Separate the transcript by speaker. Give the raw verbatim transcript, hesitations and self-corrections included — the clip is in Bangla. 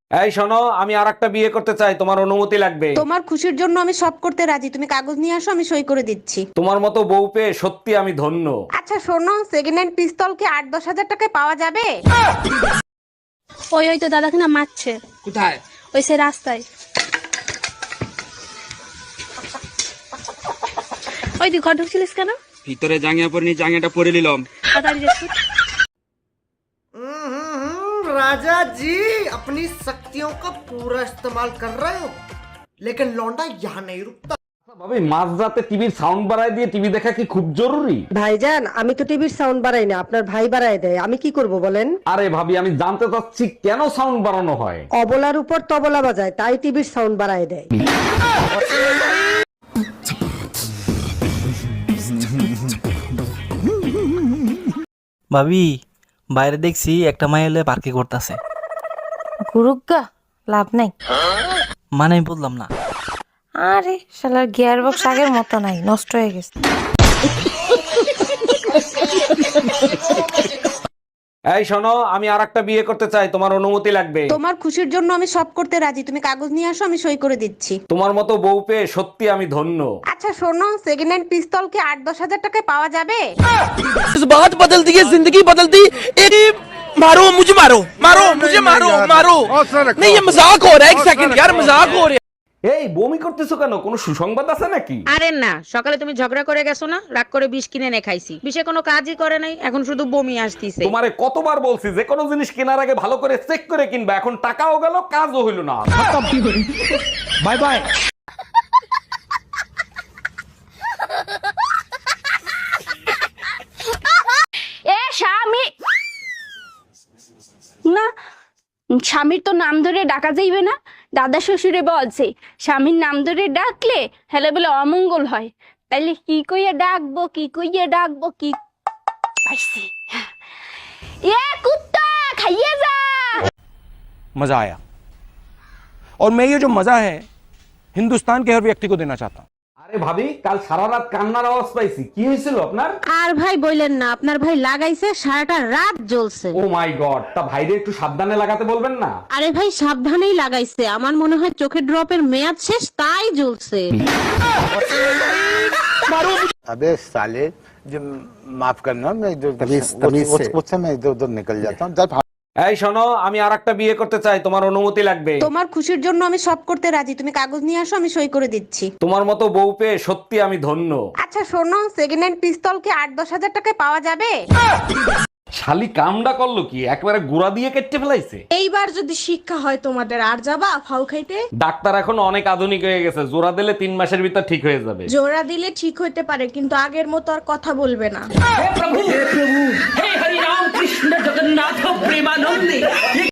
Speaker 1: এই শোনো, আমি আর একটা বিয়ে করতে চাই, তোমার অনুমতি লাগবে।
Speaker 2: তোমার খুশির জন্য আমি সব করতে রাজি, তুমি কাগজ নিয়ে আসো, আমি সই করে দিচ্ছি।
Speaker 1: তোমার মতো বউ পেয়ে সত্যি আমি ধন্য।
Speaker 2: আচ্ছা শোনো, সেকেন্ড হ্যান্ড পিস্তল কি আট দশ হাজার টাকায় পাওয়া যাবে?
Speaker 3: ওই ওই তো দাদাকে না মারছে।
Speaker 4: কোথায়?
Speaker 3: ওই সে রাস্তায়। ওই তুই ঘর ঢুকছিলিস কেন?
Speaker 4: ভিতরে জাঙ্গিয়া পরে নি, জাঙ্গিয়াটা পরে নিলাম।
Speaker 3: তাড়াতাড়ি যাচ্ছি।
Speaker 5: राजा जी अपनी शक्तियों का पूरा इस्तेमाल कर रहे हो, लेकिन लौंडा यहाँ नहीं रुकता।
Speaker 1: ভাবি, মাঝরাতে টিভির সাউন্ড বাড়ায় দিয়ে টিভি দেখা কি খুব জরুরি?
Speaker 6: ভাইজান, আমি তো টিভির সাউন্ড বাড়াই না, আপনার ভাই বাড়ায় দেয়। আমি কি করব বলেন?
Speaker 1: আরে ভাবি, আমি জানতে চাচ্ছি কেন সাউন্ড বাড়ানো হয়।
Speaker 6: অবলার উপর তবলা বাজায়, তাই টিভির সাউন্ড বাড়ায় দেয়।
Speaker 7: ভাবি, বাইরে দেখছি একটা মাইল পার্কে করতেছে।
Speaker 8: গুরুগা লাভ নাই।
Speaker 7: মানে আমি বললাম না।
Speaker 8: আরে শালার গিয়ার বক্স আগের মতো নাই, নষ্ট হয়ে গেছে।
Speaker 1: এই শোনো, আমি আর একটা বিয়ে করতে চাই, তোমার অনুমতি লাগবে।
Speaker 2: তোমার খুশির জন্য আমি সব করতে রাজি, তুমি কাগজ নিয়ে আসো, আমি সই করে দিচ্ছি।
Speaker 1: তোমার মতো বউ পেয়ে সত্যি আমি ধন্য।
Speaker 2: আচ্ছা শোনো, সেকেন্ড হ্যান্ড পিস্তল কি আট দশ হাজার টাকায় পাওয়া যাবে?
Speaker 9: बात बदल दी है, जिंदगी बदल दी। मारो मुझे, मारो मारो मुझे, मारो मारो। नहीं ये मजाक हो रहा है, एक सेकंड यार, मजाक हो रहा है।
Speaker 1: এই বমি করতেছো কেন? কোনো সুসংবাদ আছে নাকি?
Speaker 10: আরে না, সকালে তুমি ঝগড়া করে গেছো না, রাগ করে বিষ কিনে এনে খাইছি, বিষে কোনো কাজই করে নাই, এখন শুধু বমি আসতিছে।
Speaker 1: তোমারে কতবার বলছি যে কোনো জিনিস কেনার আগে ভালো করে চেক করে কিনবা, এখন টাকাও গেল, কাজও হইল না।
Speaker 9: Bye bye.
Speaker 3: এ স্বামী না, স্বামীর তো নাম ধরে ডাকা যাইবে না। দাদা শ্বশুরে বলছে স্বামীর নাম ধরে ডাকলে হেলে বলে অমঙ্গল হয়। তাইলে কি কইয়া ডাকবো, কি কইয়া ডাকবো, কি পাইছি। এ কুত্তা খাইয়ে যা।
Speaker 9: मजा आया, और मैं ये जो मजा है हिंदुस्तान के हर व्यक्ति को देना चाहता हूँ।
Speaker 1: আরে ভাবি, কাল সারা রাত কান্নার আওয়াজ পাইছি, কি হয়েছিল আপনার?
Speaker 2: আর ভাই বললেন না, আপনার ভাই লাগাইছে সারাটা রাত জ্বলছে।
Speaker 1: ও মাই গড, তা ভাইরে একটু সাবধানে লাগাতে বলবেন না।
Speaker 2: আরে ভাই সাবধানেই লাগাইছে, আমার মনে হয় চোখের ড্রপের মেয়াদ শেষ, তাই জ্বলছে।
Speaker 11: अबे साले, जो माफ करना, मैं इधर मुझसे मैं इधर उधर निकल जाता हूँ। जब
Speaker 1: এই শোনো, আমি আর একটা বিয়ে করতে চাই, তোমার অনুমতি লাগবে।
Speaker 2: তোমার খুশির জন্য আমি সব করতে রাজি, তুমি কাগজ নিয়ে আসো, আমি সই করে দিচ্ছি।
Speaker 1: তোমার মতো বউ পেয়ে সত্যি আমি ধন্য।
Speaker 2: আচ্ছা শোনো, সেকেন্ড হ্যান্ড পিস্তল কি আট দশ হাজার টাকায় পাওয়া যাবে?
Speaker 1: শালি কামডা করলো কি, একবারে গুড়া দিয়ে কেটে ফেলাইছে।
Speaker 2: এইবার যদি শিক্ষা হয় তোমাদের, আর যাবা ফাউ খাইতে?
Speaker 1: ডাক্তার এখন অনেক আধুনিক হয়ে গেছে, জোড়া দিলে তিন মাসের ভিতর ঠিক হয়ে যাবে।
Speaker 2: জোড়া দিলে ঠিক হইতে পারে, কিন্তু আগের মতো আর কথা বলবে না।
Speaker 4: हे हरि राम कृष्ण जगन्नाथ प्रेमानंदी।